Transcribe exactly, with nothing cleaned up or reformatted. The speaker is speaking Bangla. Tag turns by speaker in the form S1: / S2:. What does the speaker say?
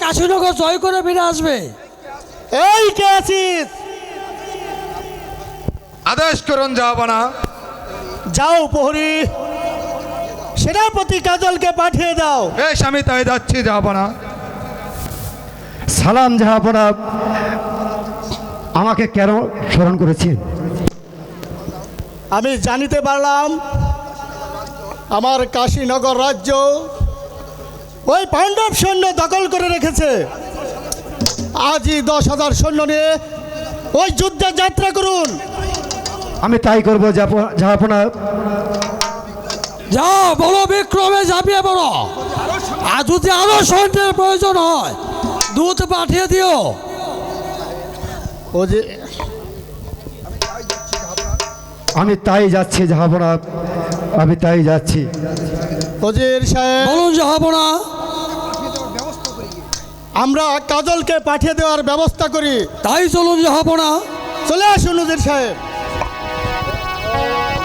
S1: কাশীনগর জয় করে ফিরে আসবে।
S2: এই কে আছিস?
S3: আদেশ করুন জাহাপনা।
S2: যাও প্রহরী, সেনাপতি কাজলকে পাঠিয়ে দাও।
S3: বেশ, আমি তাই যাচ্ছি জাহাপনা।
S4: সালাম জাহাপনা, আমাকে কেন স্মরণ করেছেন?
S2: আমি জানিতে পারলাম আমার কাশীনগর রাজ্য ওই পাণ্ডব সৈন্য দখল করে রেখেছে। আজই দশ হাজার সৈন্য নিয়ে ওই যুদ্ধে যাত্রা করুন।
S4: আমি তাই করবো জাহাপনা।
S1: যাও, বলো বিক্রমে ঝাঁপিয়ে পড়ো। আর যদি আরো সৈন্যের প্রয়োজন হয় দূত পাঠিয়ে দিও।
S2: ও যে
S4: আমি তাই যাচ্ছি জাহাপনা, আমি তাই যাচ্ছি।
S2: ওজির সাহেব,
S1: বলুন জাহাপনা।
S2: আমরা কাজলকে পাঠিয়ে দেওয়ার ব্যবস্থা করি।
S1: তাই চলুন জাহাপনা।
S2: চলে আসুন ওজির সাহেব।